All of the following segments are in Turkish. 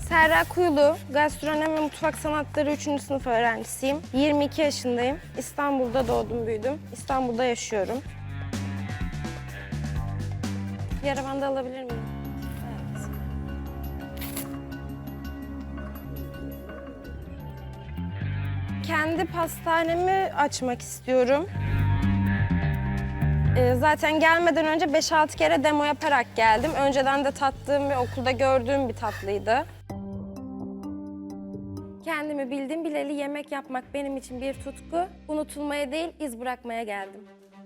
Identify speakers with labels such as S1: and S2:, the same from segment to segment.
S1: Serra Kuyulu, gastronomi ve mutfak sanatları 3. sınıf öğrencisiyim. 22 yaşındayım. İstanbul'da doğdum, büyüdüm. İstanbul'da yaşıyorum. Bir arabanı da alabilir miyim? Evet. Kendi pastanemi açmak istiyorum. Zaten gelmeden önce 5-6 kere demo yaparak geldim. Önceden de tattığım ve okulda gördüğüm bir tatlıydı. Kendimi bildim bileli yemek yapmak benim için bir tutku. Unutulmaya değil, iz bırakmaya geldim.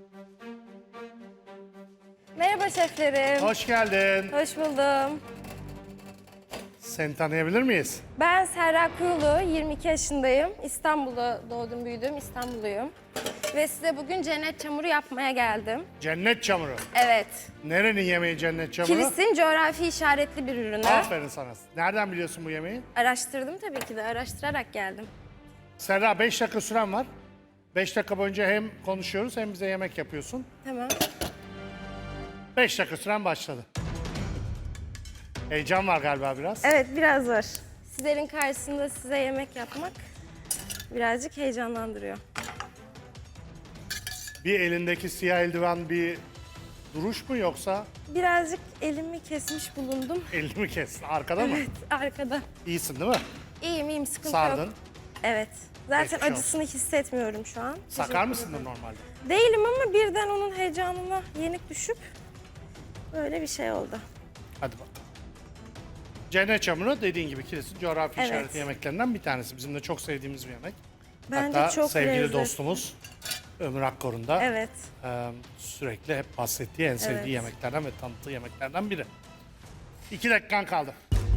S1: Merhaba şeflerim.
S2: Hoş geldin.
S1: Hoş buldum.
S2: Seni tanıyabilir miyiz?
S1: Ben Serra Kuyulu, 22 yaşındayım. İstanbul'da doğdum, büyüdüm, İstanbulluyum. Ve size bugün cennet çamuru yapmaya geldim.
S2: Cennet çamuru.
S1: Evet.
S2: Nerenin yemeği cennet çamuru?
S1: Kilis'in coğrafi işaretli bir ürünü.
S2: Aferin sana. Nereden biliyorsun bu yemeği?
S1: Araştırdım tabii ki de, araştırarak geldim.
S2: Serra 5 dakika süren var. 5 dakika boyunca hem konuşuyoruz hem bize yemek yapıyorsun.
S1: Tamam.
S2: 5 dakika süren başladı. Heyecan var galiba biraz.
S1: Evet, biraz var. Sizlerin karşısında size yemek yapmak birazcık heyecanlandırıyor.
S2: Bir elindeki siyah eldiven bir duruş mu yoksa
S1: Birazcık elimi kesmiş bulundum.
S2: elini mi kes? Arkada mı?
S1: Evet, arkada.
S2: İyisin değil mi?
S1: İyiyim, sıkıntı
S2: Sardın.
S1: yok. Evet. Zaten
S2: Geçmiş olsun.
S1: acısını hissetmiyorum şu an.
S2: Sakar
S1: Teşekkür
S2: mısındır
S1: ederim.
S2: normalde?
S1: Değilim ama birden onun heyecanına yenik düşüp böyle bir şey oldu.
S2: Hadi bakalım. Cennet çamuru dediğin gibi Kilis'in coğrafi
S1: Evet.
S2: işaretli yemeklerinden bir tanesi. Bizim de çok sevdiğimiz bir yemek.
S1: Bence
S2: Hatta
S1: çok
S2: sevgili
S1: lezzetli.
S2: dostumuz Ömür Akkor'un da
S1: Evet.
S2: sürekli hep bahsettiği en sevdiği
S1: Evet.
S2: yemeklerden ve tanıttığı yemeklerden biri. 2 dakikan kaldı.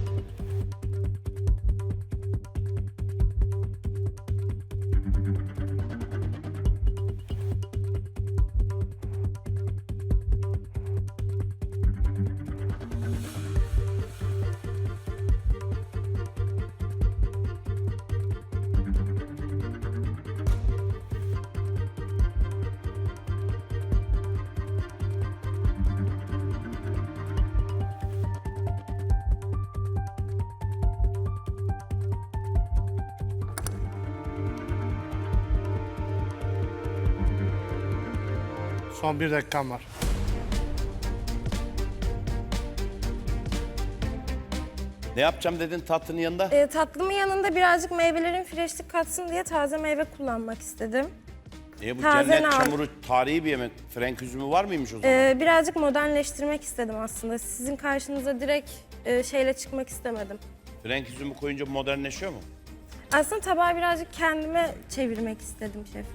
S2: Son 1 dakikan var.
S3: Ne yapacağım dedin tatlının yanında?
S1: Tatlımın yanında birazcık meyvelerin freşlik katsın diye taze meyve kullanmak istedim.
S3: Bu
S1: taze
S3: cennet
S1: nar.
S3: çamuru tarihi bir yemek. Frenk üzümü var mıymış o zaman?
S1: Birazcık modernleştirmek istedim aslında. Sizin karşınıza direkt şeyle çıkmak istemedim.
S3: Frenk üzümü koyunca modernleşiyor mu?
S1: Aslında tabağı birazcık kendime çevirmek istedim şefim.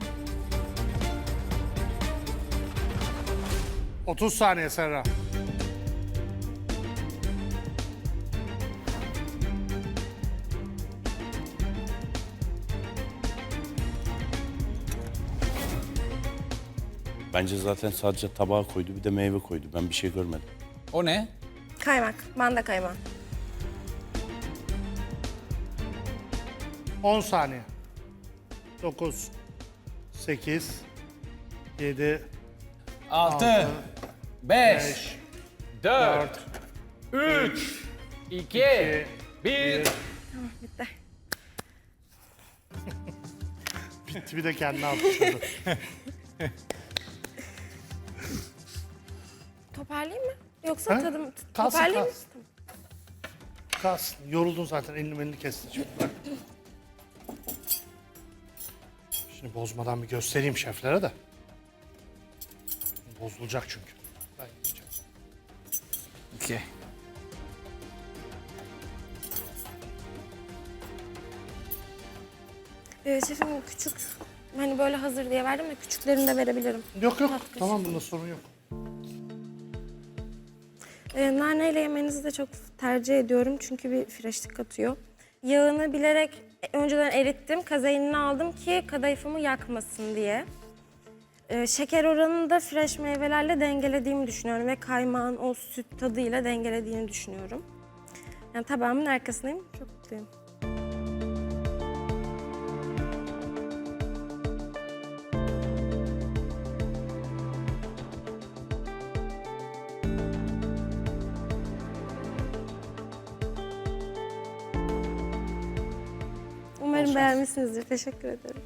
S2: 30 saniye Serra.
S3: Bence zaten sadece tabağa koydu bir de meyve koydu. Ben bir şey görmedim.
S4: O ne?
S1: Kaymak, manda kaymağı.
S2: 10 saniye. 9, 8, 7,
S4: 6, 5,
S2: 5,
S4: 4, 3, 2, 1.
S1: Bitti.
S2: bitti bir de kendini alkışladı.
S1: Toparlayayım mı? Yoksa
S2: Ha?
S1: tadım...
S2: Kalsın,
S1: Toparlayayım mı?
S2: kalsın. Kalsın. Yoruldun zaten. Elini kestin şimdi. Bırak. Şimdi bozmadan bir göstereyim şeflere de. Bozulacak çünkü. Ben yiyeceğim.
S4: 2.
S1: Şefim küçük, hani böyle hazır diye verdim de küçüklerini de verebilirim.
S2: Yok yok.
S1: Tatlı.
S2: Tamam bunda sorun yok.
S1: Naneyle yemenizi de çok tercih ediyorum çünkü bir freşlik katıyor. Yağını bilerek önceden erittim, kazeinini aldım ki kadayıfımı yakmasın diye. Şeker oranını da fresh meyvelerle dengelediğimi düşünüyorum ve kaymağın o süt tadıyla dengelediğini düşünüyorum. Yani tabağımın arkasındayım, çok mutluyum. Umarım
S2: şans.
S1: beğenmişsinizdir. Teşekkür ederim.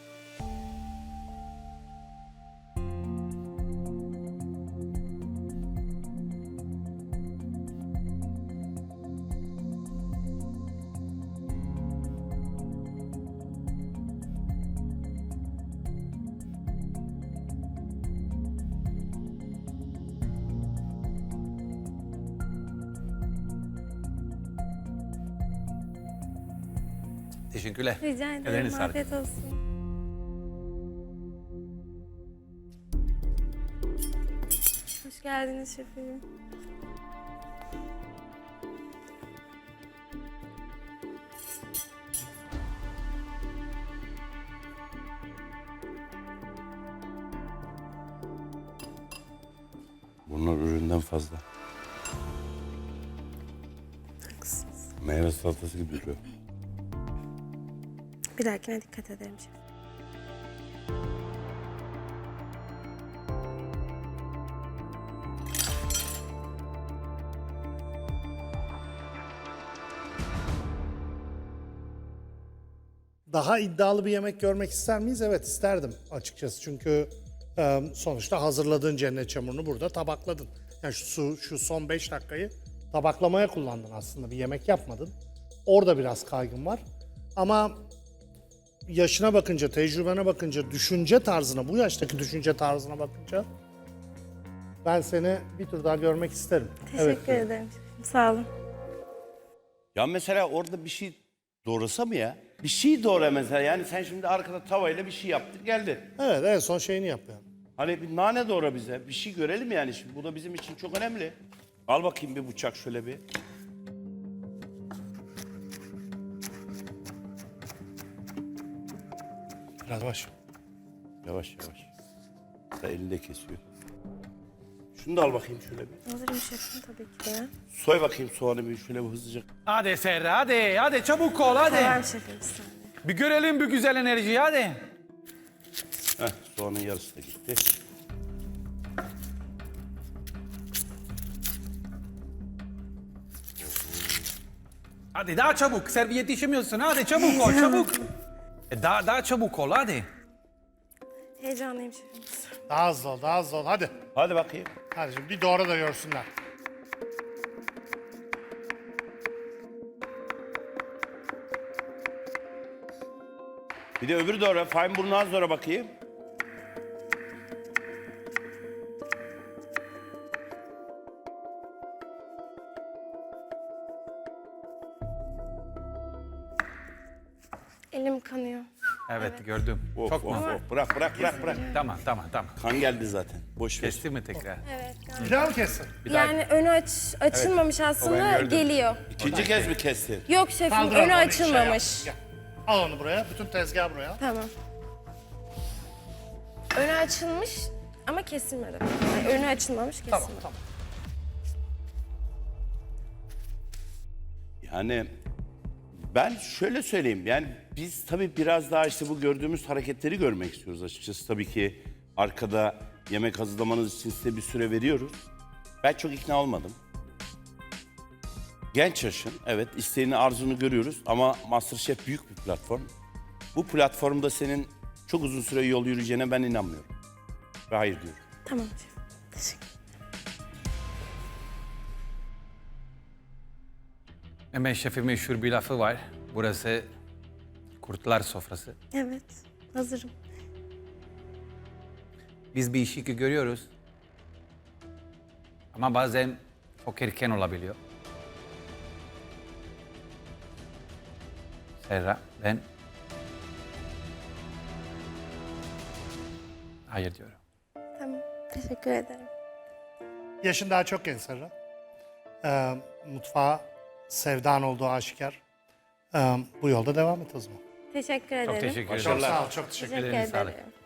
S4: Teşekkürler.
S1: Rica ederim.
S4: Ellerine sağlık.
S1: Afiyet olsun. Hoş geldiniz şefim.
S3: Bunlar üründen fazla.
S1: Haklısınız.
S3: Meyve salatası gibi duruyor.
S1: Bir dahakine dikkat ederim şefim.
S2: Daha iddialı bir yemek görmek ister miyiz? Evet isterdim açıkçası. Çünkü sonuçta hazırladığın cennet çamurunu burada tabakladın. Yani şu son 5 dakikayı tabaklamaya kullandın aslında. Bir yemek yapmadın. Orada biraz kaygım var. Ama yaşına bakınca, tecrübene bakınca, düşünce tarzına, bu yaştaki düşünce tarzına bakınca ben seni bir tur daha görmek isterim.
S1: Teşekkür ederim şefim. Sağ olun.
S3: Ya mesela orada bir şey doğrasa mı ya? Bir şey doğra mesela. Yani sen şimdi arkada tavayla bir şey yaptın geldin.
S2: Evet, en son şeyini yapıyor.
S3: Hani bir nane doğra bize. Bir şey görelim yani şimdi. Bu da bizim için çok önemli. Al bakayım bir bıçak şöyle bir.
S2: Biraz baş.
S3: Yavaş yavaş. Da elinde kesiyor. Şunu da al bakayım şöyle bir.
S1: Alırım şefim tabii ki de.
S3: Soy bakayım soğanı bir şöyle bir hızlıca.
S4: Hadi Serra hadi. Hadi çabuk ol hadi.
S1: Tamam şefim bir saniye.
S4: Bir görelim bu güzel enerjiyi hadi.
S3: Heh, soğanın yarısı da gitti.
S4: Hadi daha çabuk. Servis yetişemiyorsun. Hadi çabuk ol çabuk. Daha çabuk ol hadi.
S1: Heyecanlıyım şefim.
S2: Daha hızlı ol, daha hızlı ol. Hadi.
S3: Hadi bakayım.
S2: Hadi şimdi bir doğra da görsünler.
S3: Bir de öbürü doğra. Feinburnu doğra bakayım.
S1: Elim kanıyor.
S4: Evet, gördüm.
S3: Of,
S4: Çok
S3: of,
S4: mu?
S3: of. Bırak bırak bırak bırak.
S4: Tamam.
S3: Kan geldi zaten. Boş ver.
S4: Kesti mi tekrar?
S1: Evet. galiba.
S2: Bir daha mı kessin?
S1: Yani önü açılmamış
S4: O ben
S1: aslında
S4: gördüm.
S1: geliyor.
S3: İkinci kez mi kestin?
S1: Yok şefim
S2: Kaldır
S1: önü
S2: onu, şey
S1: açılmamış.
S2: yap. Gel. Al onu buraya. Bütün tezgah buraya.
S1: Tamam. Önü açılmış ama kesilmedi. Yani önü açılmamış kesilmedi.
S2: Tamam tamam.
S3: Yani ben şöyle söyleyeyim. Yani biz tabii biraz daha işte bu gördüğümüz hareketleri görmek istiyoruz açıkçası. Tabii ki arkada yemek hazırlamanız için size bir süre veriyoruz. Ben çok ikna olmadım. Genç yaşın, evet isteğini, arzunu görüyoruz ama MasterChef büyük bir platform. Bu platformda senin çok uzun süre yol yürüyeceğine ben inanmıyorum. Ve hayır diyorum.
S1: Tamam şefim. Teşekkür
S4: Hemen şefin meşhur bir lafı var. Burası kurtlar sofrası.
S1: Evet. Hazırım.
S4: Biz bir işi ki görüyoruz. Ama bazen çok erken olabiliyor. Serra, ben hayır diyorum.
S1: Tamam. Teşekkür ederim.
S2: Yaşın daha çok genç Serra. Mutfağa sevdan olduğu aşikar. Bu yolda devam et o zaman.
S1: Teşekkür ederim.
S4: Çok teşekkür
S2: Çok
S4: ederim.
S2: sağ ol, çok teşekkür ederim.
S1: Teşekkür
S4: Ellerine sağlık.
S1: ederim.